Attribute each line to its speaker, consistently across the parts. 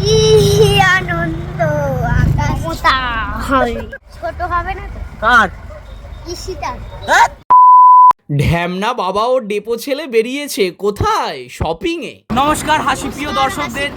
Speaker 1: কি আনন্দ মমতা হবে ছোট হবে না তো
Speaker 2: কার
Speaker 1: ঈশিতা
Speaker 3: ঢ্যামনা বাবা ও ডেপো ছেলে বেরিয়েছে কোথায়? শপিং এ।
Speaker 2: নমস্কার হাসিপ্রিয় দর্শকদের,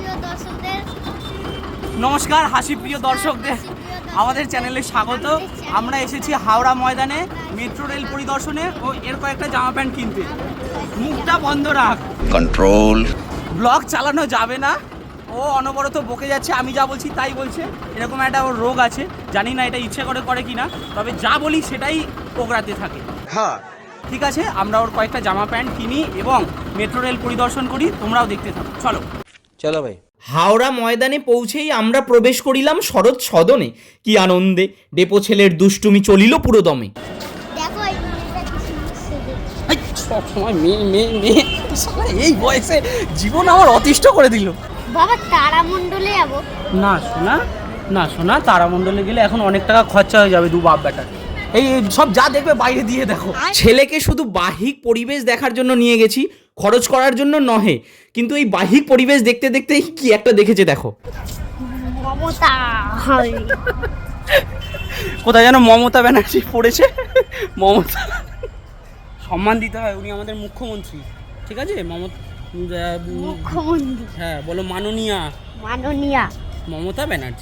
Speaker 2: নমস্কার হাসিপ্রিয় দর্শকদের, আমাদের চ্যানেলে স্বাগত। আমরা এসেছি হাওড়া ময়দানে মেট্রো রেল পরিদর্শনে ও এর কয়েকটা জামা প্যান্ট কিনতে। মুখটা বন্ধ রাখ,
Speaker 3: কন্ট্রোল।
Speaker 2: ব্লগ চালানো যাবে না, ও অনবরত বকে যাচ্ছে, আমি যা বলছি তাই বলছে। এরকম একটা ওর রোগ আছে, জানি না এটা ইচ্ছে করে কিনা, তবে যা বলি সেটাই ওগরাতে থাকে।
Speaker 3: হ্যাঁ
Speaker 2: ঠিক আছে, আমরা ওর কয়েকটা জামা প্যান্ট কিনি এবং মেট্রো রেল পরিদর্শন করি, তোমরাও দেখতে থাকো। চলো
Speaker 3: চলো ভাই। হাওড়া ময়দানে পৌঁছেই আমরা প্রবেশ করিলাম শরৎ সদনে। কি আনন্দে ডেপো ছেলের দুষ্টুমি চলিল পুরো দমে।
Speaker 1: দেখো এই মেয়েটা কি সুন্দর সেজেছে।
Speaker 2: সবসময় মেয়ে এই বয়সে জীবন আমার অতিষ্ঠ করে দিল।
Speaker 1: বাবা তারামণ্ডলে যাব
Speaker 2: না শোনা তারামণ্ডলে গেলে এখন অনেক টাকা খরচা হয়ে যাবে দু বাপ বেটার। এই সব যা দেখবে বাইরে দিয়ে দেখো।
Speaker 3: ছেলেকে শুধু বাহ্যিক পরিবেশ দেখার জন্য নিয়ে গেছি, খরচ করার জন্য নহে। কিন্তু এই বাহ্যিক পরিবেশ দেখতে দেখতেই কি একটা দেখেছে দেখো।
Speaker 1: মমতা হবে
Speaker 2: কোথায় যেন মমতা ব্যানার্জি পড়েছে। মমতা সম্মান দিতে হয়, উনি আমাদের মুখ্যমন্ত্রী। ঠিক আছে,
Speaker 1: মুখ্যমন্ত্রী,
Speaker 2: হ্যাঁ বলো মাননীয়া মমতা ব্যানার্জি।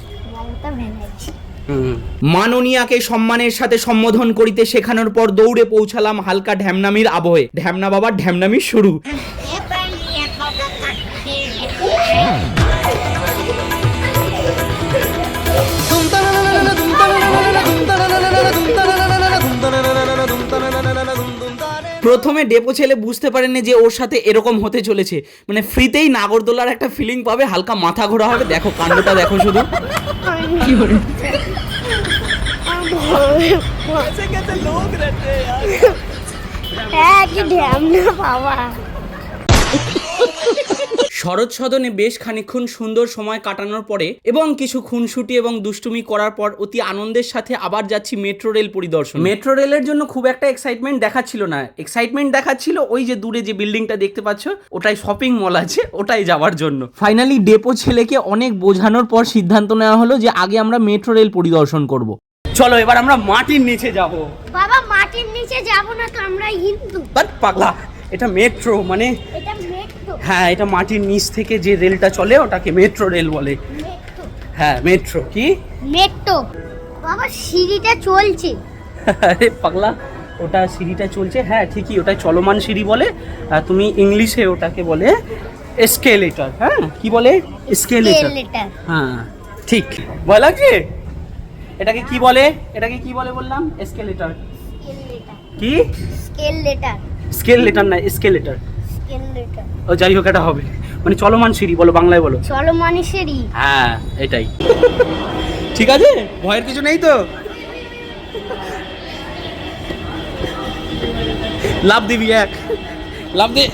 Speaker 3: মাননীয়াকে সম্মানের সাথে সম্বোধন করিতে শেখানোর পর দৌড়ে পৌঁছালাম হালকা ঢ্যামনামির আবহে। ঢ্যামনা বাবার ঢ্যামনামির শুরু। প্রথমে ডেপো ছেলে বুঝতে পারেনি যে ওর সাথে এরকম হতে চলেছে, মানে ফ্রিতেই নাগরদোলার একটা ফিলিং পাবে, হালকা মাথা ঘোরা হবে। দেখো কাণ্ডটা দেখো শুধু।
Speaker 1: হ্যাঁ কি ঢ্যামনা বাবা।
Speaker 3: শরৎ সদনে বেশ খানিকক্ষণ সুন্দর সময় কাটানোর পরে এবং কিছু খুনসুটি এবং দুষ্টুমি করার পর অতি আনন্দের সাথে আবার যাচ্ছি মেট্রো রেল পরিদর্শন। মেট্রো রেলের জন্য খুব একটা এক্সাইটমেন্ট দেখাচ্ছিল না, এক্সাইটমেন্ট দেখাচ্ছিল ওই যে দূরে যে বিল্ডিংটা দেখতে পাচ্ছ, ওটাই শপিং মল আছে, ওটাই যাওয়ার জন্য। ফাইনালি ডেপো ছেলেকে অনেক বোঝানোর পর সিদ্ধান্ত নেওয়া হলো যে আগে আমরা মেট্রো রেল পরিদর্শন করব।
Speaker 2: চলো এবার আমরা মাটির নিচে যাব।
Speaker 1: বাবা মাটির নিচে যাব না তো, আমরা হিন্দু।
Speaker 2: বাট পাগলা, এটা মেট্রো, মানে
Speaker 1: এটা মেট্রো।
Speaker 2: হ্যাঁ, এটা মাটির নিচ থেকে যে রেলটা চলে ওটাকে মেট্রো রেল বলে। হ্যাঁ মেট্রো। কি
Speaker 1: মেট্রো? বাবা সিঁড়িটা চলছে।
Speaker 2: আরে পাগলা, ওটা সিঁড়িটা চলছে, হ্যাঁ ঠিকই, ওটা চলমান সিঁড়ি বলে। তুমি ইংলিশে ওটাকে বলে এসকেলেটর। হ্যাঁ কি বলে? এসকেলেটর। হ্যাঁ ঠিক ভয় লাগছে। এটাকে কি বলে? এটাকে কি বলে বললাম? এসকেলেটর। কি? স্কেল লেটার না, এসকেলেটর। ও যাই হোক, এটা হবে মানে চলমান সিঁড়ি বলো, বাংলায় বলো।
Speaker 1: চলমান সিঁড়ি।
Speaker 2: হ্যাঁ এটাই ঠিক আছে, ভয়ের কিছু নেই তো। লাভ দিবি, এক লাভ দে।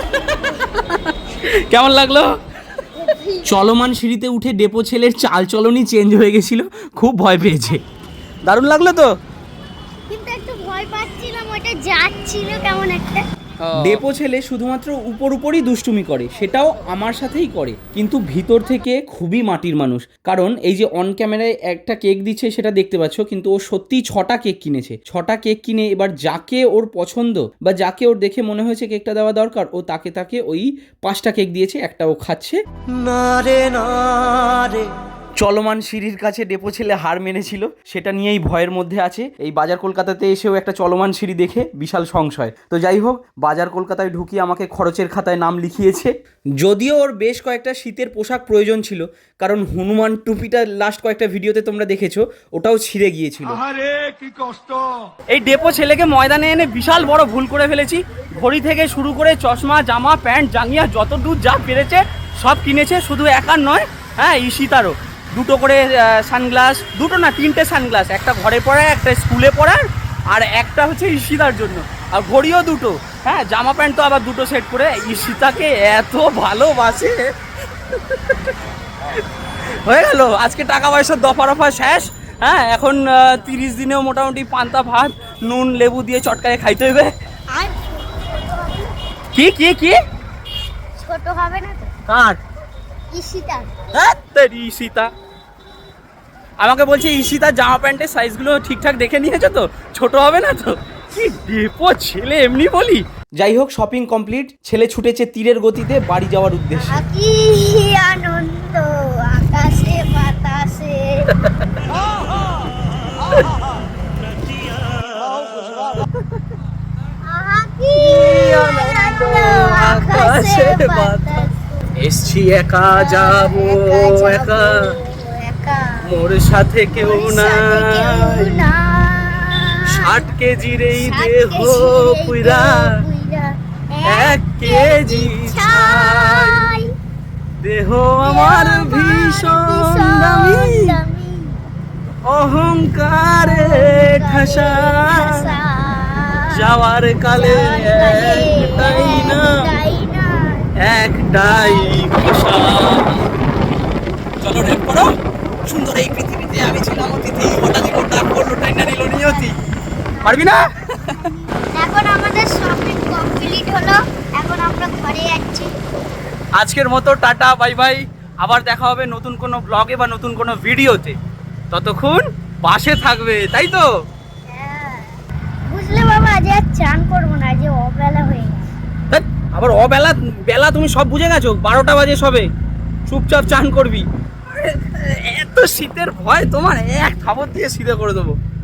Speaker 2: কেমন লাগলো?
Speaker 3: চলমান সিঁড়িতে উঠে ডেপো ছেলের চাল চলনই চেঞ্জ হয়ে গেছিল, খুব ভয় পেয়েছে।
Speaker 2: দারুণ লাগলো তো।
Speaker 1: কিন্তু একটু ভয় পাচ্ছিলাম, ওটা যাচ্ছিল কেমন একটা।
Speaker 3: ডেপো ছেলে শুধুমাত্র উপরই দুষ্টুমি করে, সেটাও আমার সাথেই করে, কিন্তু ভিতর থেকে খুবই মাটির মানুষ। কারণ এই যে অন ক্যামেরায় একটা কেক দিচ্ছে সেটা দেখতে পাচ্ছ, কিন্তু ও সত্যিই 6টা কেক কিনেছে। 6টা কেক কিনে এবার যাকে ওর পছন্দ বা যাকে ওর দেখে মনে হয়েছে কেকটা দেওয়া দরকার, ও তাকে ওই 5টা কেক দিয়েছে, একটা ও খাচ্ছে। না রে চলমান সিঁড়ির কাছে ডেপো ছেলে হার মেনেছিল, সেটা নিয়েই ভয়ের মধ্যে আছে। এই বাজার কলকাতাতে এসেও একটা চলমান সিঁড়ি দেখে বিশাল সংশয়। তো যাই হোক, বাজার কলকাতায় ঢুকিয়ে আমাকে খরচের খাতায় নাম লিখিয়েছে। যদিও ওর বেশ কয়েকটা শীতের পোশাক প্রয়োজন ছিল, কারণ হনুমান টুপিটা লাস্ট কয়েকটা ভিডিওতে তোমরা দেখেছো, ওটাও ছিঁড়ে গিয়েছিল।
Speaker 2: এই ডেপো ছেলেকে ময়দানে এনে বিশাল বড় ভুল করে ফেলেছি। ঘড়ি থেকে শুরু করে চশমা, জামা, প্যান্ট, জাঙ্গিয়া যত দূর যা পেরেছে সব কিনেছে। শুধু একার নয়, হ্যাঁ ঈশিতারও 2টো করে সানগ্লাস, 2টো না 3টে সানগ্লাস, একটা ঘরে পড়ার, একটা স্কুলে পড়ার, আর একটা হচ্ছে ঈশিতার জন্য। আর ঘড়িও 2টো, হ্যাঁ জামা প্যান্ট তো আবার 2টো সেট করে। ঈশিতাকে এত ভালোবাসে। হয়ে গেল আজকে টাকা পয়সার দফা শেষ। হ্যাঁ এখন 30 দিনেও মোটামুটি পান্তা ভাত নুন লেবু দিয়ে চটকায় খাইতে হবে। কি কি কি
Speaker 1: ছোট হবে না তো?
Speaker 2: কার?
Speaker 1: ঈশিতা।
Speaker 2: হ্যাঁ তোর ঈশিতা আমাকে বলছে ঈশিতা জামা প্যান্টের সাইজগুলো ঠিকঠাক দেখে নিয়েছো তো, ছোট হবে না তো? কি ডেপো ছেলে, এমনি বলি।
Speaker 3: যাই হোক, শপিং কমপ্লিট, ছেলে ছুটেছে তীরের গতিতে বাড়ি যাওয়ার উদ্দেশ্যে।
Speaker 1: কি আনন্দ আকাশে বাতাসে। আহা কি আনন্দ আকাশে বাতাসে।
Speaker 2: এসছি একা যাবো একা, মোর সাথে কেউ নাই, 60 কেজির এই দেহ পুইরা 1 কেজি ছাই, দেহ আমার ভীষণ দামি, অহংকারে ঠাসা, যাওয়ার কালে একটাই না, একটাই ভাষা। চলো রেপ করো। সুন্দর এই পৃথিবীতে আমি ছিলাম অতিথি, হঠাৎই ডাক করলো, টাইনা নিল নিয়তি। পারবি না?
Speaker 1: এখন আমাদের শপিং কমপ্লিট হলো, এখন আমরা ঘরে যাচ্ছি।
Speaker 2: আজকের মতো টাটা বাই বাই, আবার দেখা হবে নতুন কোনো ব্লগে বা নতুন কোনো ভিডিওতে। ততক্ষণ পাশে থাকবে, তাই তো?
Speaker 1: হ্যাঁ। বুঝলে বাবা, আজ আর চান করবো না, আজ অবেলা হয়ে গেছে।
Speaker 2: ধ্যাৎ, আবার অবেলা বেলা তুমি সব বুঝে গেছো, 12টা বাজে সবে, চুপচাপ চান করবি। এত শীতের ভয় তোমার, এক থাবর দিয়ে সিধে করে দেবো।